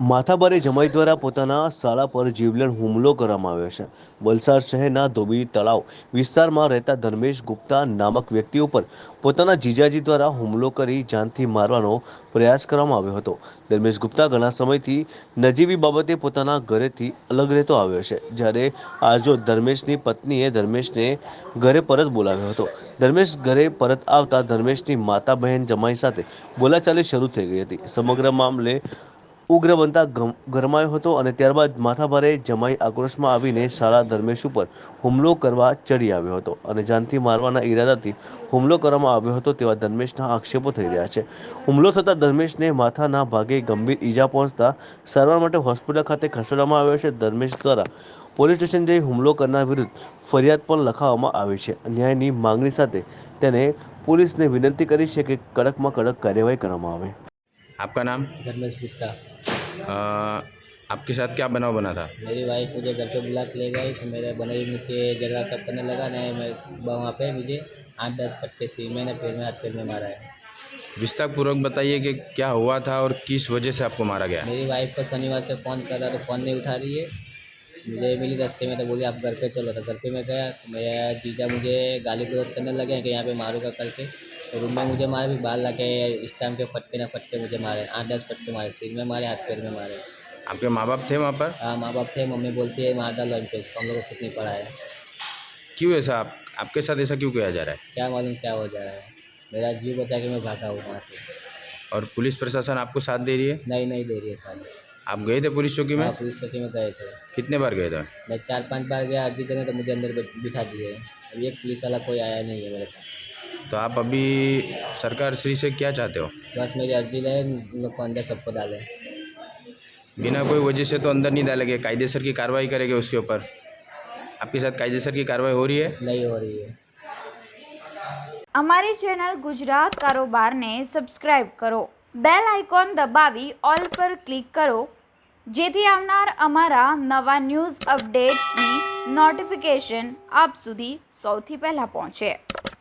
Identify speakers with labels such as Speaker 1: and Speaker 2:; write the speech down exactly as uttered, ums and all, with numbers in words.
Speaker 1: માથાભારે જમાઈ દ્વારા પોતાના સાળા પર જીવલેણ હુમલો કરવામાં આવ્યો છે। વલસાડ શહેરના ધોબી તળાવ વિસ્તારમાં રહેતા ધર્મેશ ગુપ્તા નામક વ્યક્તિ ઉપર પોતાના જીજાજી દ્વારા હુમલો કરી જાનથી મારવાનો પ્રયાસ કરવામાં આવ્યો હતો। ધર્મેશ ગુપ્તા ઘણા સમયથી નજીવી બાબતે પોતાના ઘરેથી અલગ રહેતો આવ્યો છે, જ્યારે આજો ધર્મેશની પત્નીએ ધર્મેશને ઘરે પરત બોલાવ્યો હતો। ધર્મેશ ઘરે પરત આવતા ધર્મેશની માતા બહેન જમાઈ સાથે બોલાચાલી શરૂ થઈ ગઈ હતી। સમગ્ર મામલે ઉગ્ર બનતા ગરમાયો હતો અને ત્યારબાદ માથાભારે જમાઈ આક્રોશમાં આવીને સાળા ધર્મેશ ઉપર હુમલો કરવા ચડી આવ્યો હતો અને જાનથી મારવાના ઈરાદાથી હુમલો કરવામાં આવ્યો હતો તેવા ધર્મેશના આક્ષેપો થઈ રહ્યા છે। હુમલો થતા ધર્મેશને માથાના ભાગે ગંભીર ઈજા પહોંચતા સારવાર માટે હોસ્પિટલ ખાતે ખસેડવામાં આવ્યો છે। ધર્મેશ દ્વારા પોલીસ સ્ટેશન જઈ હુમલો કરનાર વિરુદ્ધ ફરિયાદ પણ લખાવવામાં આવી છે। ન્યાયની માંગણી સાથે તેને પોલીસને વિનંતી કરી છે કે કડકમાં कड़क કાર્યવાही કરવામાં આવે।
Speaker 2: आपका नाम?
Speaker 3: धर्मेश गुप्ता।
Speaker 2: आ, आपके साथ क्या बनाव बना था?
Speaker 3: मेरी वाइफ मुझे घर पे बुला के ले गई तो मेरे बने मुझे झगड़ा सब करने लगा। नहीं, मैं वहाँ पे मुझे आठ दस फटके सी मैंने फिर में हाथ पैर में मारा है।
Speaker 2: विस्तार पूर्वक बताइए कि क्या हुआ था और किस वजह से आपको मारा गया?
Speaker 3: मेरी वाइफ को शनिवार से फ़ोन कर रहा तो फ़ोन नहीं उठा रही है। मुझे मिली रास्ते में तो बोली आप घर पे चलो, तो घर पे मैं गया तो मेरा जीजा मुझे गाली गलौज करने लगे कि यहाँ पे मारूंगा करके। तो रूम में मुझे मारे, भी बाहर ला के इस टाइम के फटके ना फटके मुझे मारे, आठ दस फटके मारे, सिर में मारे, हाथ पैर में मारे।
Speaker 2: आपके माँ बाप थे वहाँ पर?
Speaker 3: हाँ, माँ बाप थे। मम्मी बोलती है मार डालो इनको, इसको हम लोग को कुछ नहीं पड़ा है।
Speaker 2: क्यों ऐसा आप आपके साथ ऐसा क्यों किया जा रहा है?
Speaker 3: क्या मालूम क्या हो जा रहा है। मेरा जीव बचा के मैं भागा हूँ वहाँ से।
Speaker 2: और पुलिस प्रशासन आपको साथ दे रही है?
Speaker 3: नहीं नहीं दे रही है साथ।
Speaker 2: आप गए थे पुलिस चौकी में?
Speaker 3: हाँ, पुलिस चौकी में गए थे।
Speaker 2: कितने बार गए थे?
Speaker 3: मैं चार पांच बार गया अर्जी करने, तो मुझे अंदर बैठ- बिठा दिए। अभी एक पुलिस वाला कोई आया नहीं है मेरे पास।
Speaker 2: तो आप अभी सरकार श्री से क्या चाहते हो?
Speaker 3: बस मेरी अर्जी ले, उन लोग को अंदर सबको डाले।
Speaker 2: बिना कोई वजह से तो अंदर नहीं डालेंगे, कायदेसर की कार्रवाई करेंगे उसके ऊपर। आपके साथ कायदेसर की कार्रवाई हो रही है?
Speaker 3: नहीं हो रही है।
Speaker 4: અમારી ચેનલ ગુજરાત કારોબારને સબસ્ક્રાઇબ કરો, બેલ આઇકોન દબાવી ઓલ પર ક્લિક કરો, જેથી આવનાર અમારા નવા ન્યૂઝ અપડેટ્સની નોટિફિકેશન આપ સુધી સૌથી પહેલાં પહોંચે।